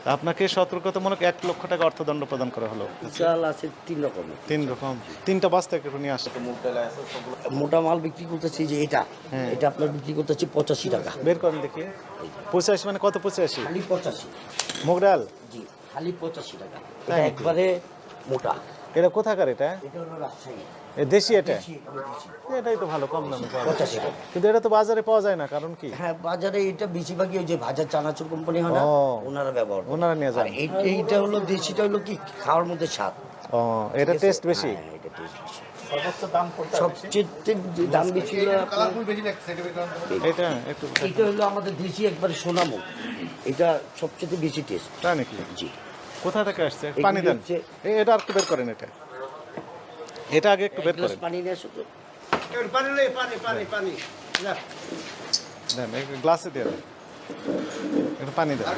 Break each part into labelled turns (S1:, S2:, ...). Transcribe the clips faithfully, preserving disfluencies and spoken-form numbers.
S1: আপনাকে সতর্কতামূলক এক লক্ষ টাকা অর্থদণ্ড প্রদান করা হলো।
S2: চাল আছে তিন রকমের।
S1: তিন রকম তিনটা বস্তা একটু নিয়ে আসে।
S2: মোটা মাল বিক্রি করতেছি যে এটা
S1: হ্যাঁ।
S2: এটা আপনার বিক্রি করতেছি পঁচাশি টাকা।
S1: বের করেন দেখি। পঁচাশি মানে কত? পঁচাশি
S2: খালি পঁচাশি।
S1: মুগ ডাল?
S2: জি খালি পঁচাশি টাকা।
S1: তাই
S2: এটা
S1: নাকি?
S2: একবারে মোটা।
S1: এটা কোথাকার? এটা
S2: এটা হলো রাজশাহী।
S1: এ দেশি? এটা
S2: দেশি, এগুলো দেশি।
S1: এটাই তো ভালো, কম দামে পাওয়া যায়।
S2: পঁচাশি টাকা।
S1: কিন্তু এটা তো বাজারে পাওয়া যায় না, কারণ কি?
S2: হ্যাঁ বাজারে এটা বেশিরভাগই ওই যে ভাজা চানাচুর কোম্পানি হয় না,
S1: ও।
S2: ওনারা ব্যবহার করে।
S1: ওনারা নিয়ে যান।
S2: আর এই- এইটা হলো দেশিটা হলো কি খাওয়ার মধ্যে স্বাদ।
S1: ও, এটা টেস্ট বেশি।
S2: হ্যাঁ, এটা টেস্ট বেশি।
S3: সর্বোচ্চ দাম কোনটা?
S2: সবচেয়ে যে দাম বেশি হলো আপনার
S3: কালারফুল বেশি লাগছে এটা বের করেন তো।
S1: এটা একটু
S2: এটা হলো আমাদের দেশি একবারে সোনামুখ। এটা সবচেয়ে বেশি টেস্ট।
S1: তাই নাকি?
S2: জি
S1: কোথা থেকে আসছে?
S2: এগুলি
S1: পানি দেন।
S2: হচ্ছে-
S1: এই এটা আর একটু বের করেন। এটা এটা আগে একটু বের
S2: এক গ্লাস
S1: করেন।
S2: পানি নিয়ে আসো তো।
S3: পানি লই পানি পানি পানি যা
S1: দেন এক গ্লাসে দিয়ে দেন, একটু পানি দেন।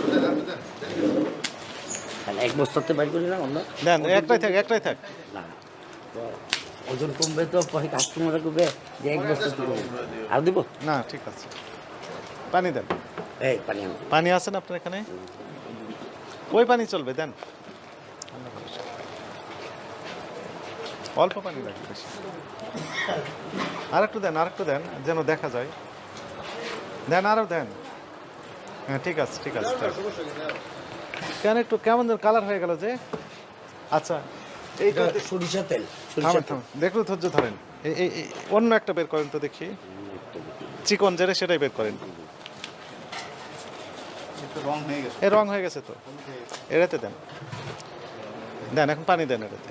S2: আর এক বস্তাতে বাইর করি না আমরা।
S1: দেন একটাই থাক, একটাই থাক।
S2: না তো ওজন কমবে তো পরে কাস্টমাররা করবে যে এক বস্তা তুলব। আর দিব?
S1: না ঠিক আছে, পানি দেন।
S2: এই পানি আনো।
S1: পানি আছে না আপনার এখানে? ওই পানি চলবে, দেন। অল্প পানি লাগবে, বেশি। আর একটু দেন, আর একটু দেন, যেন দেখা যায়। দেন, আরও দেন। হ্যাঁ ঠিক আছে, ঠিক আছে, ঠিক আছে। কেন একটু কেমন যেন কালার হয়ে গেল যে? আচ্ছা
S2: এইটা সরিষা তেল। সরিষা
S1: থামেন
S2: তেল।
S1: থামেন, দেখলো ধৈর্য ধরেন। এই এই এই অন্য একটা বের করেন তো দেখি, চিকন যেটা সেটাই বের করেন।
S3: একটু রং হয়ে গেছে।
S1: এ রং হয়ে গেছে তো, এটাতে দেন। দেন এখন পানি দেন এটাতে।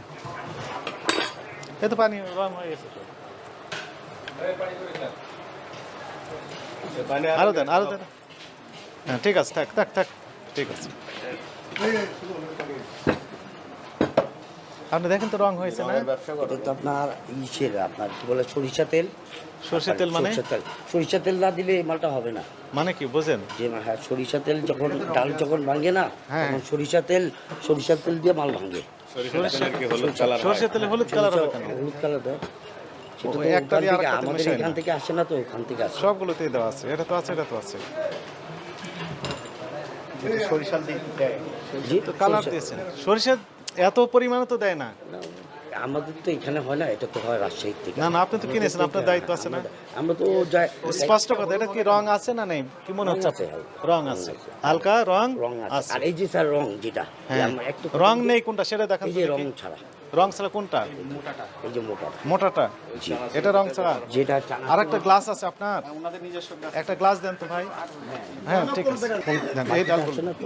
S1: এ তো পানি রং হয়ে গেছে তো। আরো দেন, আরো দেন। হ্যাঁ ঠিক আছে, থাক থাক থাক, ঠিক আছে। আপনি দেখেন তো রং হয়েছে না?
S2: এটা তো আপনার ইসের আপনার কি বলে সরিষা তেল।
S1: সরষের তেল মানে?
S2: সরিষা তেল। সরিষা তেল না দিলে এই মালটা হবে না।
S1: মানে কি বোঝেন?
S2: যে হ্যাঁ সরিষা তেল যখন ডাল যখন ভাঙে না
S1: হ্যাঁ।
S2: তখন সরিষা তেল সরিষা তেল দিয়ে মাল ভাঙে।
S1: সরষের তেলে হলুদ কালার হবে কেন?
S2: হলুদ কালার দেয় সেটা
S1: ও,
S2: তো
S1: একটা
S2: ওখান
S1: দিয়ে
S2: থেকে
S1: আরেকটাতে
S2: আমাদের
S1: মেশায়
S2: এখান
S1: না।
S2: থেকে আসে না, তো ওখান থেকে আসে।
S1: সবগুলোতেই দেওয়া আছে, এটা তো আছে, এটা তো আছে।
S3: সরিষার দিক দেয়।
S2: জি
S1: তো কালার
S2: সরিষা-
S1: দিয়েছেন। সরিষা এত পরিমাণে তো দেয় না।
S2: না, আমাদের তো এখানে হয় না, এটা তো হয় রাজশাহী থেকে।
S1: না না, আপনি তো কিনেছেন, আপনার দায়িত্ব আছে না?
S2: আমরা তো যাই
S1: স্পষ্ট কথা, এটা কি রং আছে না নেই? কি মনে হচ্ছে?
S2: আছে,
S1: আপনার? রং আছে, হালকা রং
S2: রং আছে।
S1: আছে।
S2: আর এই যে স্যার রং যেটা
S1: হ্যাঁ,
S2: আমরা একটু
S1: রং নেই কোনটা সেটা দেখান
S2: এই
S1: তো
S2: যে
S1: দেখি।
S2: রং ছাড়া,
S1: রং ছাড়া কোনটা?
S2: এই যে মোটা
S1: মোটাটা?
S2: জি
S1: এটা রং ছাড়া।
S2: যেটা
S1: আর একটা গ্লাস আছে আপনার?
S3: ওনাদের নিজস্ব গাছ।
S1: একটা গ্লাস দেন তো ভাই। হ্যাঁ ঠিক আছে, দেন। এই ডাল
S2: আছে না তো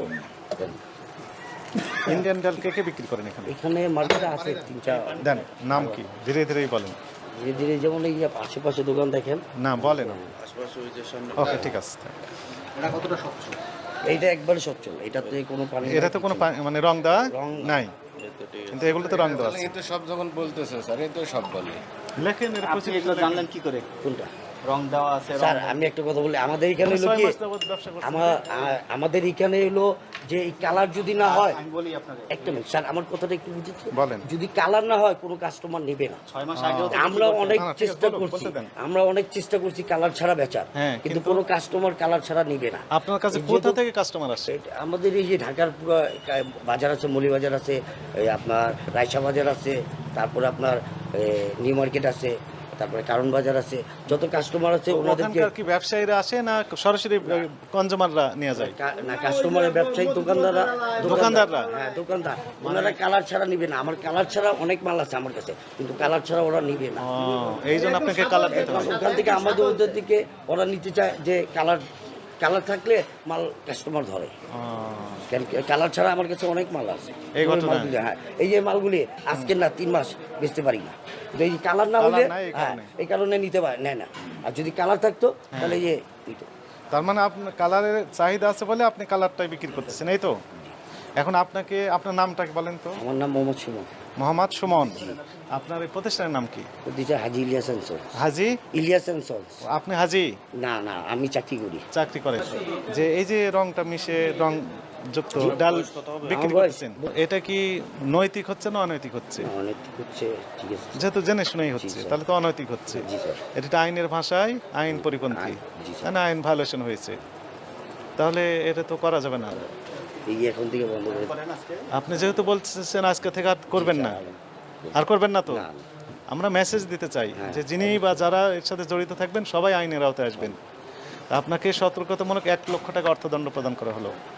S1: ইন্ডিয়ান ডাল কে কে বিক্রি করেন এখানে?
S2: এখানে মার্কেটে আছে তিন চার।
S1: দেন, নাম কি? ধীরে ধীরেই বলেন।
S2: ধীরে ধীরে যেমন এই যে আশেপাশে দোকান দেখেন।
S1: না বলেন। ওকে ঠিক আছে।
S3: এটা কতটা স্বচ্ছ?
S2: এইটা একবারে সচ্ছল, এটাতে কোনো পানি
S1: এটা তো কোনো পা- মানে রং দেওয়া
S2: রং
S1: নাই, কিন্তু এগুলো তো রং দেওয়া আছে।
S4: এই তো সব যখন বলতেছে স্যার এই তো সব বলে
S1: লেখেন এর
S3: আপনি
S1: পঁচিশ
S3: এগুলো জানলেন কি করে?
S2: কোনটা?
S3: রং দেওয়া আছে, রং
S2: স্যার আমি একটা কথা বলি, আমাদের এখানে হলো
S1: ছয়
S2: কি
S1: মাস যাবত ব্যবসা করছেন।
S2: আমার আ- আমাদের এখানে হলো যে এই কালার যদি না হয়,
S3: আমি বলি আপনাকে,
S2: একটা মিনিট স্যার আমার কথাটা একটু বুঝেছি।
S1: বলেন।
S2: যদি কালার না হয় কোনো কাস্টমার নেবে না।
S3: ছয় মাস আগেও তো
S2: আমরা অনেক
S1: না, না, ঠিক আছে,
S2: চেষ্টা
S1: বলুন,
S2: করছি,
S1: বলতে দেন।
S2: আমরা অনেক চেষ্টা করছি কালার ছাড়া বেচার,
S1: হ্যাঁ,
S2: কিন্তু
S1: কিন্তু-
S2: কোনো কাস্টমার কালার ছাড়া নিবে না।
S1: আপনার কাছে
S2: এই
S1: কোথা
S2: যেহেতু-
S1: থেকে কাস্টমার আসে?
S2: এটা আমাদের এই যে ঢাকার পুরো কা- বাজার আছে, মলি বাজার আছে, এই আপনার রায়সা বাজার আছে, তারপরে আপনার এ, নিউ মার্কেট আছে, তারপরে কারণ বাজার আছে, যত কাস্টমার আছে ওনাদেরকে
S1: ওখানকার কি ব্যবসায়ীরা আসে না সরাসরি কনজিউমাররা নিয়ে যায়?
S2: কা- না কাস্টমারের ব্যবসায়ী দোকানদাররা
S1: দোকানদাররা?
S2: হ্যাঁ দোকানদার ওনারা কালার ছাড়া নিবে না। আমার কালার ছাড়া অনেক মাল আছে আমার কাছে, কিন্তু কালার ছাড়া ওরা নিবে না।
S1: ও, এই জন্য আপনাকে কালার দিতে হবে।
S2: ওখান থেকে আমাদের ওদের দিকে ওরা নিতে চায় যে কালার কালার থাকলে মাল কাস্টমার ধরে।
S1: ও,
S2: কেন কালার ছাড়া আমার কাছে অনেক মাল আছে।
S1: এই
S2: ওই
S1: ঘটনা?
S2: মালগুলি, হ্যাঁ এই যে মালগুলি আজকে না তিন মাস বেচতে পারি না, কিন্তু এই কালার না
S1: কালার
S2: হলে
S1: নাই এই
S2: হ্যাঁ
S1: কারণে।
S2: এই কারণে নিতে পারে নেয় না। আর যদি কালার থাকতো তাহলে এই যে নিত।
S1: তার মানে আপনার কালারের চাহিদা আছে বলে আপনি কালারটাই বিক্রি করতেছেন, এই তো? এখন আপনাকে আপনার নামটা কি বলেন তো?
S2: আমার নাম মোহাম্মদ সুমন।
S1: মোহাম্মদ সুমন। আপনার এই প্রতিষ্ঠানের নাম কি?
S2: দিচ্ছে Haji Ilyas and sons.
S1: Haji?
S2: Ilyas and sons.
S1: আপনি হাজি
S2: না না আমি চাকরি করি।
S1: চাকরি করেন, যে এই যে রংটা মিশে রং যুক্ত ডাল বিক্রি
S2: আমার বয়স-
S1: করতেছেন, এটা কি নৈতিক হচ্ছে না অনৈতিক হচ্ছে?
S2: না, অনেক হচ্ছে ঠিক আছে।
S1: যেহেতু জেনে শুনেই হচ্ছে,
S2: স্যার।
S1: তাহলে তো অনৈতিক হচ্ছে।
S2: জি স্যার।
S1: এটা আইনের ভাষায় আইন পরিপন্থী,
S2: আইন, জি স্যার।
S1: তাই না? আইন ভায়োলেশন হয়েছে, তাহলে এটা তো করা যাবে না।
S2: এই এখন থেকে বন্ধ করে
S3: করেন আজকে
S1: আপনি যেহেতু বলছেন আজকে থেকে আর করবেন না, আর করবেন না তো?
S2: না, না।
S1: আমরা মেসেজ দিতে চাই
S2: হ্যাঁ,
S1: যে যিনি বা যারা এর সাথে জড়িত থাকবেন সবাই আইনের আওতায় আসবেন। আপনাকে সতর্কতামূলক এক লক্ষ টাকা অর্থদণ্ড প্রদান করা হলো।